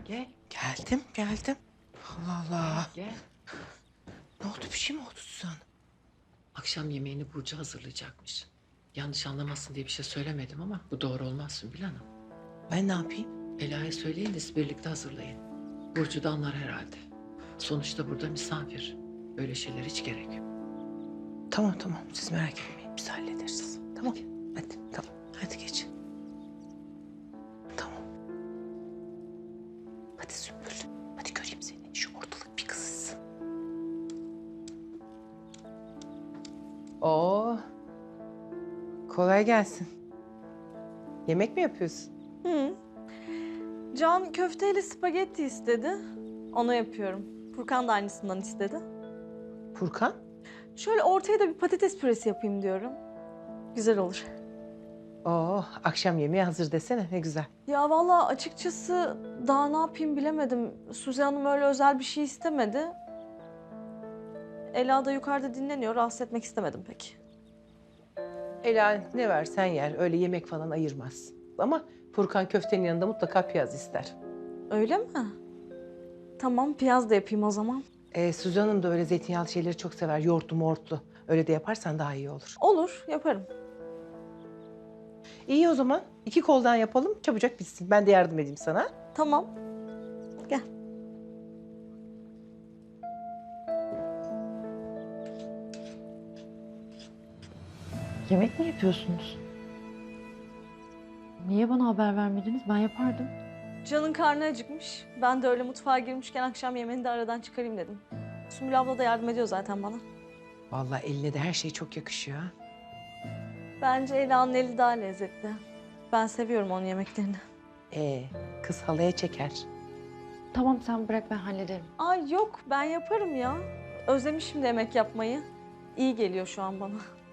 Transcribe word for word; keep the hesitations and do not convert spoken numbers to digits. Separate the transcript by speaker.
Speaker 1: Gel.
Speaker 2: Geldim, geldim. Allah Allah.
Speaker 1: Gel.
Speaker 2: Ne oldu, bir şey mi oldu Suzan?
Speaker 1: Akşam yemeğini Burcu hazırlayacakmış. Yanlış anlamasın diye bir şey söylemedim ama bu doğru olmaz Sümbül Hanım.
Speaker 2: Ben ne yapayım?
Speaker 1: Ela'ya söyleyin de siz birlikte hazırlayın. Burcu da anlar herhalde. Sonuçta burada misafir. Böyle şeyler hiç gerek yok.
Speaker 2: Tamam tamam, siz merak etmeyin, biz hallederiz. Tamam, hadi tamam, hadi geç. Tamam. Hadi Sümbül, hadi göreyim seni. Şu ortalık bir kızışsın. Oo. Kolay gelsin. Yemek mi yapıyorsun?
Speaker 3: Hı. Can köfteyle spagetti istedi. Onu yapıyorum. Furkan da aynısından istedi.
Speaker 2: Furkan?
Speaker 3: Şöyle ortaya da bir patates püresi yapayım diyorum. Güzel olur.
Speaker 2: Oo, akşam yemeği hazır desene, ne güzel.
Speaker 3: Ya vallahi açıkçası daha ne yapayım bilemedim. Suzi Hanım öyle özel bir şey istemedi. Ela da yukarıda dinleniyor. Rahatsız etmek istemedim pek.
Speaker 2: Ela ne versen yer, öyle yemek falan ayırmaz. Ama Furkan köftenin yanında mutlaka piyaz ister.
Speaker 3: Öyle mi? Tamam, piyaz da yapayım o zaman.
Speaker 2: Ee, Suzan Hanım da öyle zeytinyağlı şeyleri çok sever, yoğurtlu mortlu. Öyle de yaparsan daha iyi olur.
Speaker 3: Olur, yaparım.
Speaker 2: İyi o zaman, iki koldan yapalım, çabucak bitsin. Ben de yardım edeyim sana.
Speaker 3: Tamam. Gel.
Speaker 4: Yemek mi yapıyorsunuz? Niye bana haber vermediniz? Ben yapardım.
Speaker 3: Can'ın karnı acıkmış. Ben de öyle mutfağa girmişken akşam yemeğini de aradan çıkarayım dedim. Sümbül abla da yardım ediyor zaten bana.
Speaker 2: Vallahi eline de her şey çok yakışıyor ha.
Speaker 3: Bence Ela'nın eli daha lezzetli. Ben seviyorum onun yemeklerini.
Speaker 2: Ee, kız halaya çeker.
Speaker 4: Tamam sen bırak ben hallederim.
Speaker 3: Ay yok, ben yaparım ya. Özlemişim de yemek yapmayı. İyi geliyor şu an bana.